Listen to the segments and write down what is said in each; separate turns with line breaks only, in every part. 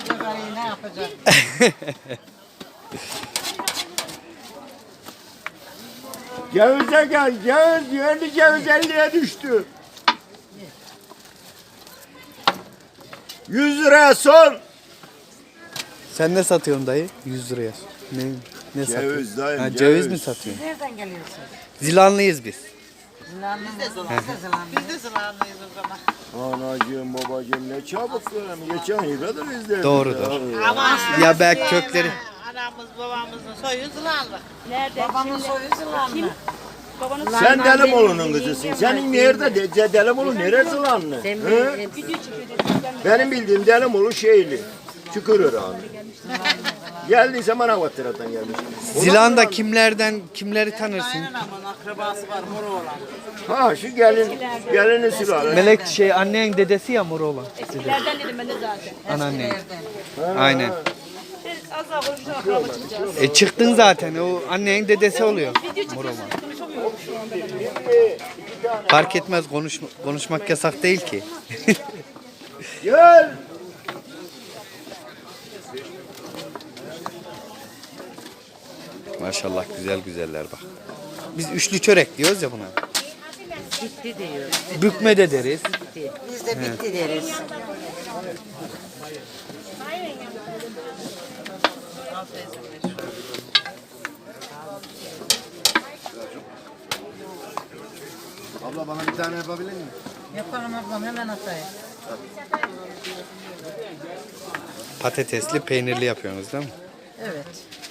Ne yapacak?
Cevize gel, ceviz, yerli ceviz 50'ye düştü. 100 liraya son.
Sen ne satıyorsun dayı? 100 liraya. Ne satıyorsun?
Ceviz dayım,
Ha,
ceviz.
ceviz mi satıyorsun?
Nereden geliyorsun?
Zilanlıyız biz.
Zilanlı mı? Biz de Zilanlı. Biz de Zilanlıyız o zaman.
Anacığım, babacığım ne çabuk böyle. Geçen yıldır izledim.
Doğrudur.
Ama
Ya belki kökleri.
Anamız babamızın soyu Zılanlı.
Nerede?
babamın soyu Zilanlı.
Babanın
Sen Delimoğlu'nun kızısın. Senin nerede? Delimoğlu neresi lan? Hı? Benim bildiğim Delimoğlu şeyli. Çukurören. Geldiyse Manavgatır'dan gelmiş.
Zilan'da kimleri tanırsın?
Kaynanamın akrabası var mor olan.
Ha şu gelinin sülale.
Melek annen dedesi ya mor olan.
eskilerden dedim ben de zaten.
Anneannen. Aynen.
Az daha konuşacağım akraba çıkacağız.
Çıktın zaten. O annenin dedesi oluyor. Mor olan.
Konuşamıyorum şu anda ben.
Fark etmez konuşmak yasak değil ki.
Gel.
Maşallah güzeller bak. Biz üçlü çörek diyoruz ya buna.
Bitti diyor.
Bükme de deriz.
Biz de bitti deriz.
Abla bana bir tane yapabilir misin?
Yaparım ablam hemen atayım.
Patatesli peynirli yapıyorsunuz değil mi?
Evet.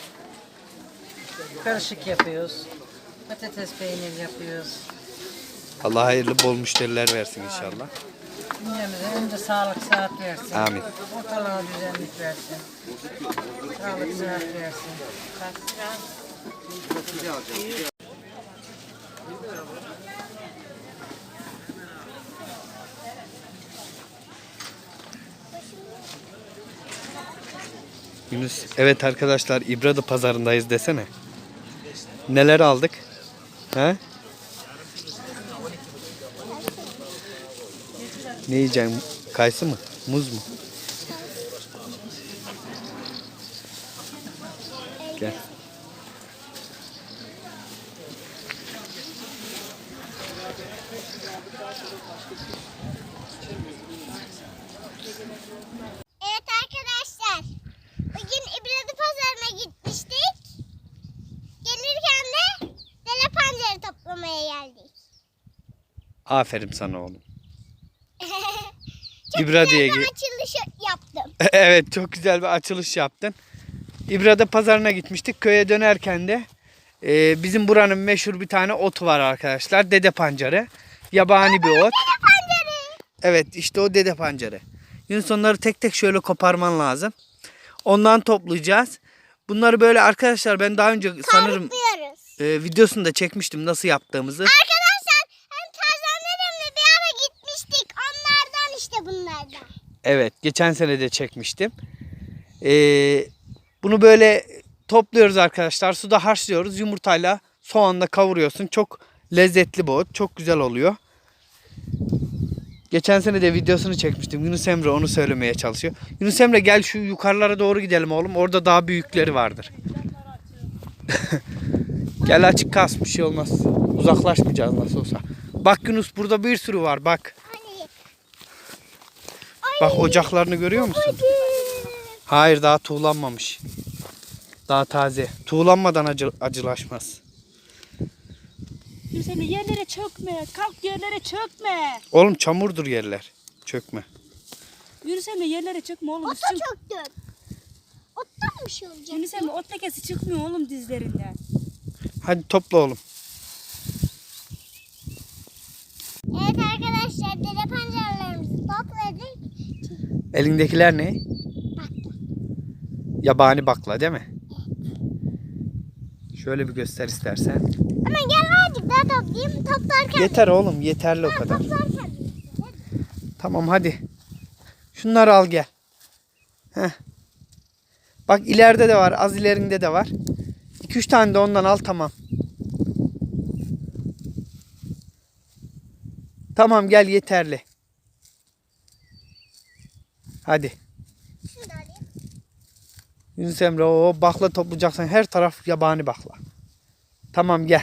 Karışık yapıyoruz. Patates peynir yapıyoruz.
Allah hayırlı bol müşteriler versin inşallah.
Cümlemize önce sağlık sıhhat versin.
Amin.
Ortalığa düzenlik versin. Sağlık sıhhat versin.
Yunus, evet arkadaşlar İbradı pazarındayız desene. Neler aldık? He? Ne yiyeceksin? Kayısı mı? Muz mu? Gel.
Evet arkadaşlar, bugün İbradı Pazarı'na gitmiştik. Gelirken de dere pancarı toplamaya geldik.
Aferin sana oğlum.
Çok
İbradı'ya
güzel bir
gir.
açılış yaptım.
Evet, çok güzel bir açılış yaptın. İbrada pazarına gitmiştik. Köye dönerken de bizim buranın meşhur bir tane otu var arkadaşlar. Dede pancarı. Yabani bir ot.
Dere pancarı.
Evet, işte o dede pancarı. Yunus onları tek tek şöyle koparman lazım. Ondan toplayacağız. Bunları böyle arkadaşlar ben daha önce sanırım
Kavrukluyoruz.
videosunu da çekmiştim nasıl yaptığımızı.
Arkadaşlar hem Tarzan dedemle bir ara gitmiştik. Onlardan işte bunlardan.
Evet, geçen sene de çekmiştim. Bunu böyle topluyoruz arkadaşlar. Suda haşlıyoruz. Yumurtayla soğanla kavuruyorsun. Çok lezzetli bu ot. Çok güzel oluyor. Geçen sene de videosunu çekmiştim. Yunus Emre onu söylemeye çalışıyor. Yunus Emre gel şu yukarılara doğru gidelim oğlum. Orada daha büyükleri vardır. Gel açık kas, bir şey olmaz. Uzaklaşmayacağız nasıl olsa. Bak Yunus burada bir sürü var bak.
Hani
Bak ocaklarını görüyor musun? Hayır daha tuğlanmamış. Daha taze. Tuğlanmadan acılaşmaz.
Dur sen de yerlere çökme. Kalk yerlere çökme.
Oğlum çamurdur yerler. Çökme.
Yürü sen de yerlere çökme oğlum.
ota çöktüm. Ottan bir şey olacak.
Yürü sen de ot lekesi çıkmıyor oğlum dizlerinden.
Hadi topla oğlum.
Evet arkadaşlar dere pancarlarımızı topladık.
Elindekiler ne? Yabani bakla değil mi? Şöyle bir göster istersen.
Hemen gel azıcık daha toplayayım. Toplarken.
Yeter oğlum yeterli o kadar.
Toplarken.
Tamam hadi. Şunları al gel. Heh. Bak ileride de var, az ilerinde de var. 2-3 tane de ondan al tamam. Tamam gel yeterli. Hadi.
Şunu da alayım.
Yunus Emre o bakla toplayacaksın. Her taraf yabani bakla. Tamam gel.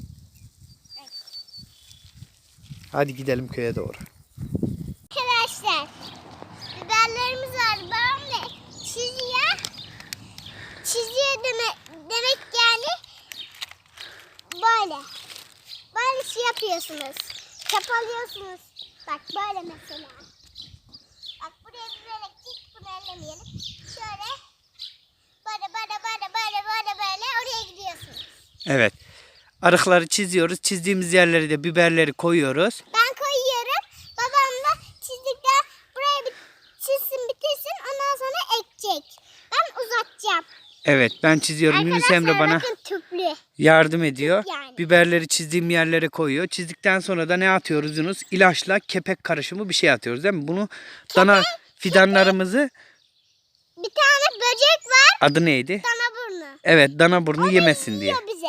Hadi gidelim köye doğru.
Arkadaşlar biberlerimiz var. Babam da çiziyor. Çiziyor demek yani böyle. Böyle şey yapıyorsunuz. Çapalıyorsunuz. Bak böyle mesela. Bak buraya biber ektik. Bunu ellemeyelim. Şöyle. Böyle oraya gidiyorsunuz.
Evet. Arıkları çiziyoruz. Çizdiğimiz yerlere de biberleri koyuyoruz.
Ben koyuyorum. Babam da çizdikten buraya bir çizsin bitirsin. Ondan sonra ekecek. Ben uzatacağım.
Evet ben çiziyorum. Yunus Emre bana
bakın tüplü.
yardım ediyor.
Yani.
Biberleri çizdiğim yerlere koyuyor. Çizdikten sonra da ne atıyoruz Yunus? İlaçla kepek karışımı bir şey atıyoruz değil mi? Bunu dana fidanlarımızı
Bir tane böcek var.
adı neydi?
Dana burnu.
Evet dana burnu yemesin diye.
Yiyor bize.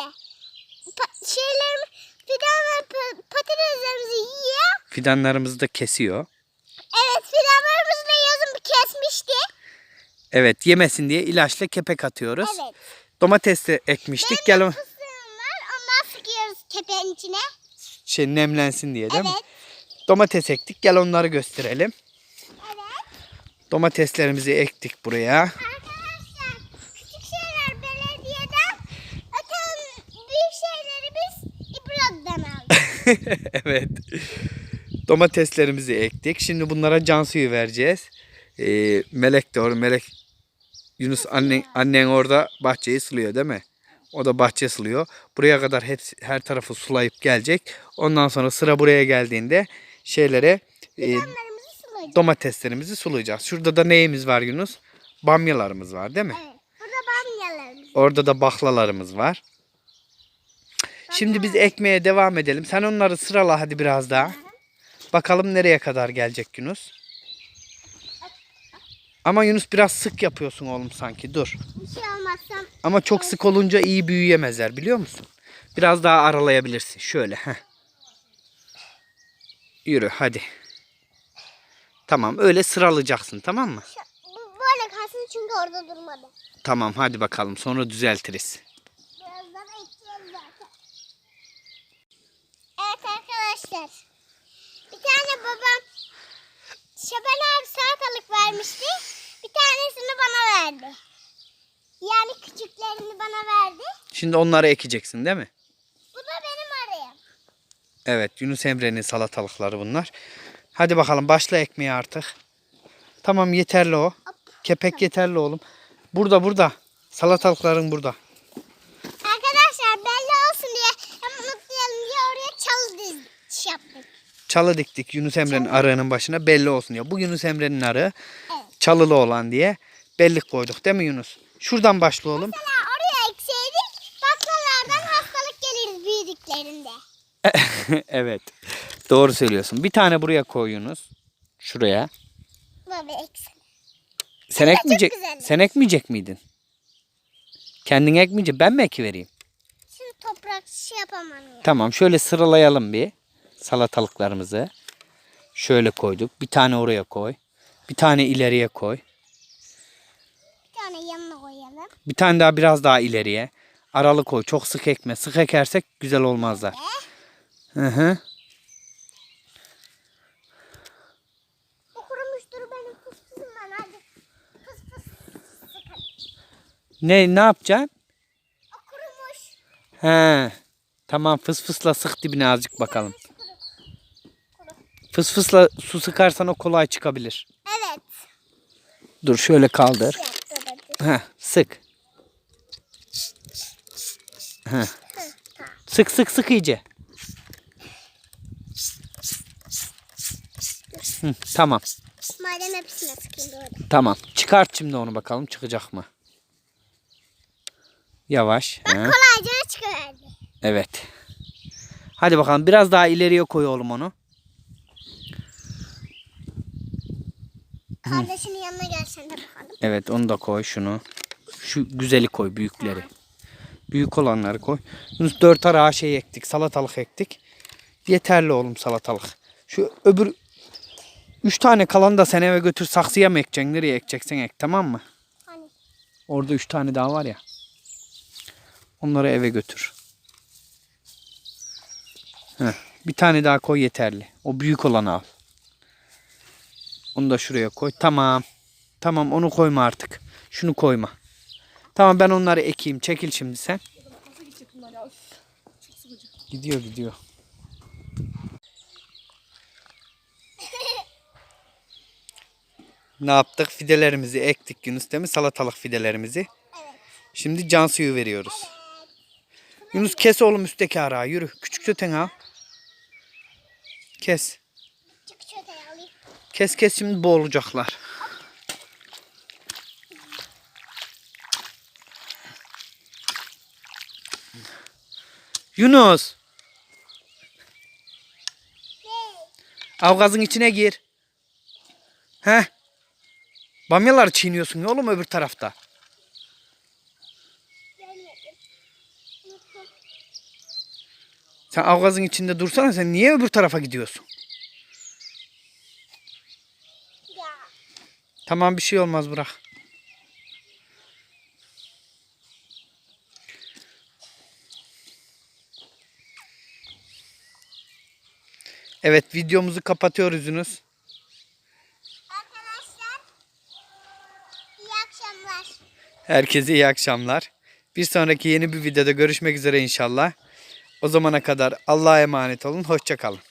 Fidan ve patateslerimizi yiyor.
Fidanlarımızı da kesiyor.
Evet fidanlarımızı da yazın bir kesmişti.
Evet yemesin diye ilaçla kepek atıyoruz.
Evet.
Domates de ekmiştik. Gel
Benim fıstığım var. Ondan sıkıyoruz kepeğin içine.
nemlensin diye değil mi?
Evet.
Domates ektik. Gel onları gösterelim.
Evet.
Domateslerimizi ektik buraya.
Arkadaşlar küçük şeyler belediyeden öte büyük şeyleri biz İbrahim'den aldık.
Evet. Domateslerimizi ektik. Şimdi bunlara can suyu vereceğiz. Melek de orada. Yunus annen orada bahçeyi suluyor değil mi? O da bahçe suluyor. Buraya kadar her tarafı sulayıp gelecek. Ondan sonra sıra buraya geldiğinde
Fidanlarımızı sulayacağız.
domateslerimizi sulayacağız. Şurada da neyimiz var Yunus? Bamyalarımız var değil mi?
Evet. Burada bamyalarımız.
Orada da baklalarımız var. Şimdi biz ekmeye devam edelim. Sen onları sırala hadi biraz daha. Bakalım nereye kadar gelecek Yunus. Ama Yunus biraz sık yapıyorsun oğlum sanki. Dur.
Bir şey olmazsa
Ama çok sık olunca iyi büyüyemezler biliyor musun? Biraz daha aralayabilirsin. Şöyle. Heh. Yürü hadi. Tamam öyle sıralayacaksın tamam mı?
bu böyle kalsın çünkü orada durmadı.
Tamam hadi bakalım sonra düzeltiriz.
Birazdan ekeceğiz zaten. Evet arkadaşlar. Bir tane babam Şaban abi salatalık vermişti. Bir tanesini bana verdi. Yani küçüklerini bana verdi.
Şimdi onları ekeceksin değil mi?
Bu da benim arayım.
Evet Yunus Emre'nin salatalıkları bunlar. Hadi bakalım başla ekmeğe artık. Tamam yeterli o. Kepek yeterli oğlum. Burada. Salatalıkların burada.
Arkadaşlar belli olsun diye hem unutmayalım diye oraya çalı yaptık.
Çalı diktik Yunus Emre'nin arığının başına belli olsun diye. Bu Yunus Emre'nin arığı çalılı olan diye bellik koyduk değil mi Yunus? Şuradan başla oğlum.
Mesela oraya ekseydik baklalardan hastalık gelirdi büyüdüklerinde.
Evet. Doğru söylüyorsun. Bir tane buraya koy Yunus. Şuraya.
Baba eksin.
Sen ekmeyecek miydin? Kendin ekmeyecek. Ben mi ekivereyim?
Şimdi toprak yapamam ya.
Tamam. Şöyle sıralayalım bir. Salatalıklarımızı. Şöyle koyduk. Bir tane oraya koy. Bir tane ileriye koy.
Bir tane yanına koyalım.
Bir tane daha biraz daha ileriye. Aralı koy. Çok sık ekme. Sık ekersek güzel olmazlar. Hı.
O kurumuştur benim fıstığım ben hadi. Fıs sıkalım.
Ne yapacaksın?
O kurumuş.
He. Tamam fısfısla sık dibine azıcık bakalım. Fısfısla su sıkarsan o kolay çıkabilir.
Evet.
Dur şöyle kaldır. Heh, sık. Heh. Sık iyice. Hı, tamam.
Madem hepsine sıkayım doğru.
Tamam. Çıkart şimdi onu bakalım çıkacak mı? Yavaş.
Bak
He.
kolayca çıkıverdi.
Evet. Hadi bakalım biraz daha ileriye koy oğlum onu.
Kardeşinin yanına gelsen de bakalım.
Evet onu da koy şunu. Şu güzeli koy büyükleri. Büyük olanları koy. 4 arağa şey ektik. Salatalık ektik. Yeterli oğlum salatalık. Şu öbür 3 tane kalanı da sen eve götür saksıya mı ekeceksin? Nereye ekeceksen ek tamam mı?
Hani
Orada 3 tane daha var ya. Onları eve götür. Heh, bir tane daha koy yeterli. O büyük olanı al. Onu da şuraya koy. Tamam. Tamam onu koyma artık. Şunu koyma. Tamam ben onları ekeyim. Çekil şimdi sen. Gidiyor gidiyor. Ne yaptık? Fidelerimizi ektik Yunus değil mi? Salatalık fidelerimizi.
Evet.
Şimdi can suyu veriyoruz. Yunus kes oğlum üstteki arağı yürü. Küçük çöten al. Kes.
Çık çöteyi alayım.
Kes şimdi boğulacaklar. Yunus. Avgazın içine gir. Heh. Bamyaları çiğniyorsun ya oğlum öbür tarafta. Sen avgazın içinde dursana sen niye öbür tarafa gidiyorsun?
Ya.
Tamam bir şey olmaz bırak. Evet videomuzu kapatıyoruz Yunus.
Arkadaşlar iyi akşamlar.
Herkese iyi akşamlar. Bir sonraki yeni bir videoda görüşmek üzere inşallah. O zamana kadar Allah'a emanet olun. Hoşça kalın.